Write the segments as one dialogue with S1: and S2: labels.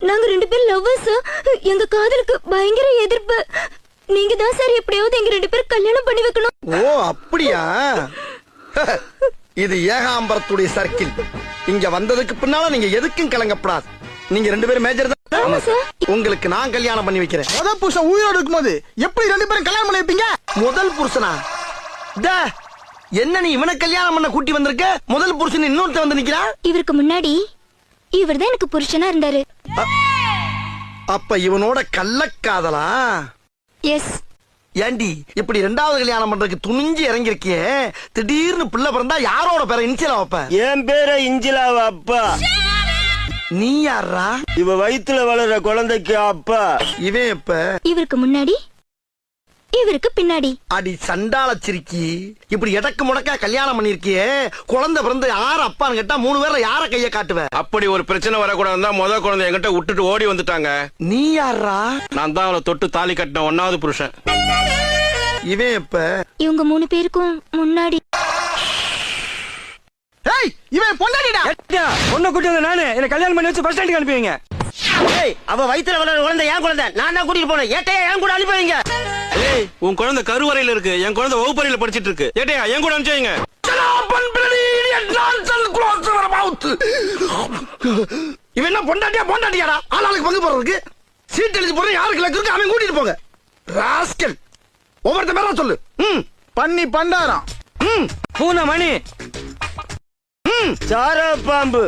S1: நாங்க 2 பேரும் லவ்வர்ஸ். எங்க காதலுக்கு பயங்கர எதிர்ப்பு. நீங்க தான் சார் எப்படியாவது எங்க 2 பேரும் கல்யாணம் பண்ணி வைக்கணும்.
S2: ஓ அப்படியா? இது ஏகாம்பரத்துடைய சர்க்கிள். இங்க வந்ததுக்கு பின்னால நீங்க எதுக்கும் கலங்கப்படாது. நீங்க 2 பேரும் மேஜர் தான்.
S1: ஆமா சார்.
S2: உங்களுக்கு நான் கல்யாணம் பண்ணி வைக்கிறேன்.
S3: முதல் புருஷன் உயிரோடு இருக்கும்போது எப்படி 2 பேரும் கல்யாணம் பண்ணி வைப்பீங்க?
S2: முதல் புருஷனா? டே, என்ன நீ இவனை கல்யாணம் பண்ண கூட்டி வந்திருக்க? முதல் புருஷன் இன்னொருத்த வந்து நிக்கிறா.
S1: இவருக்கு முன்னாடி இவர்தான் எனக்கு புருஷனா இருந்தாரு.
S2: அப்ப இவனோட கள்ளக்காதலா?
S1: எஸ்.
S2: ஏண்டி இப்படி 2வது கல்யாணம் பண்றதுக்கு துணிஞ்சு இறங்கி இருக்கியே, திடீர்னு பிள்ளை பிறந்தா யாரோட பேரை இன்சிலா வைப்ப?
S4: என் பேரை இஞ்சிலாவ அப்பா.
S2: நீ யாரா?
S4: இவ வயித்துல வளர்ற குழந்தைக்கு அப்பா.
S2: இவன் இப்ப
S1: இவருக்கு முன்னாடி இவருக்கு பின்னாடி.
S2: அடி சண்டாள சிரிக்கி, இப்படி எடக்கு முடக்கா கல்யாணம் பண்ணிருக்கியே, குழந்தை பிறந்து யார் அப்பான்னு கேட்டா 3 பேர்ல யார கைய காட்டுவ?
S5: அப்படி ஒரு பிரச்சனை வரக்கூடாதுதான் முதல் குழந்தை என்கிட்ட விட்டுட்டு ஓடி வந்துட்டாங்க.
S2: நீ யாரா?
S5: நான் தான் அவளை தொட்டு தாலி கட்டின 1வது புருஷன்.
S2: இவன் இப்ப
S1: இவங்க 3 பேருக்கும் முன்னாடி.
S3: ஏய், இவன் பொண்டாட்டிடா.
S6: பொண்ணை கூட்டி வந்த நானு என்ன கல்யாணம் பண்ணி வச்சு பஸ் ஸ்டாண்டுக்கு அனுப்புவீங்க?
S4: ஏய், அவ வயித்துல வளர்ற குழந்தை என் குழந்தை. நான் தான் கூட்டிட்டு போனேன். ஏட்டையா என் கூட அனுப்பி வைங்க.
S5: ஏய், உன் குழந்தை கருவறையில இருக்கு, என் குழந்தை வகுப்பறையில படிச்சிட்டு இருக்கு. ஏட்டையா என் கூட அனுப்பிச்சீங்க.
S2: இவன் என்ன பொண்டாட்டியா பொண்டாட்டியாடா? ஆளாளுக்கு பங்கு போறதுக்கு சீட் எழுதி போற யாருக்கு லக்கு இருக்கு அவன் கூட்டிட்டு போங்க. ராஸ்கல், ஒவ்வொருத்த பேரா சொல்லு.
S3: பண்ணி பண்டாரம்.
S6: பூனை மணி.
S4: சார பாம்பு.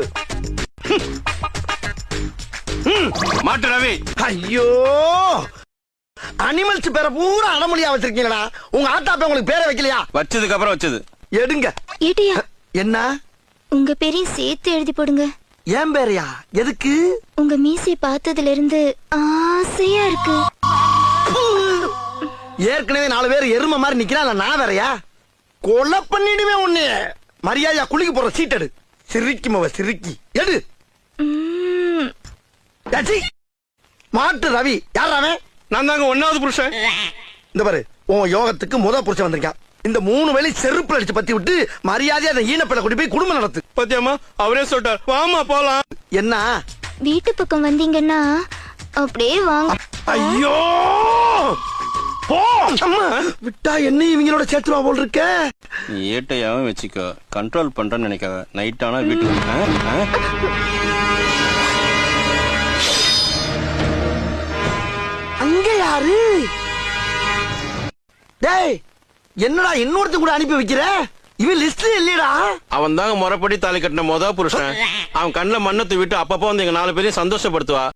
S5: மாட்டு ரவி.
S2: ஐயோ, அனிமல்ஸ் பேரை பூரா அடமொழியா வச்சிருக்கீங்களா? உங்க ஆத்தாப்ப உங்களுக்கு பேரை வைக்கலையா?
S5: வச்சதுக்கு அப்புறம் வச்சது.
S2: எடுங்க.
S1: ஏட்டியா,
S2: என்ன?
S1: உங்க பேரையும் சேர்த்து எழுதி போடுங்க.
S2: ஏன் பேரையா? எதுக்கு?
S1: உங்க மீசை பார்த்ததுல இருந்து ஆசையா இருக்கு.
S2: ஏற்கனவே 4 பேர் எருமை மாதிரி நிக்கிறான், நான் வேறையா? கொலை பண்ணிடுவே உன்னை. மரியாதையா குளிக்க போற சீட் எடு. சிரிக்குமவ சிரிக்கி எடு. ஏச்சி, மாட்டு ரவி. யார் அவன்?
S5: நான் தாங்க 1வது புருஷன்.
S2: இந்த பாரு, உன் யோகத்துக்கு முதல் புருஷன் வந்திருக்கான். இந்த 3 வேளை செருப்புல அடிச்சு பத்தி விட்டு மரியாதையா அந்த ஈனப்பிள்ளை கூட்டி போய் குடும்பம் நடத்து.
S5: பத்தியம்மா அவரே சொல்லிட்டார், வாமா போலாம்.
S2: என்ன?
S1: வீட்டு பக்கம் வந்தீங்கன்னா அப்படியே வாங்க.
S2: ஐயோ, போ. அம்மா விட்டா என்ன இவங்களோட சேர்த்துவா போல் இருக்க.
S5: நீ ஏட்டையாவும் வச்சுக்கோ, கண்ட்ரோல் பண்றேன்னு நினைக்காத. நைட் ஆனா வீட்டுக்கு.
S2: அங்க யாரு? டேய், என்னடா இன்னொருத்த கூட அனுப்பி வைக்கிற? இவன் லிஸ்ட்ல இல்லடா.
S5: அவன் தாங்க முறைப்படி தாலி கட்டின முதல் புருஷன். அவன் கண்ணுல மண்ணத்தை விட்டு அப்பப்போ வந்து எங்க 4 பேரையும் சந்தோஷப்படுத்துவா.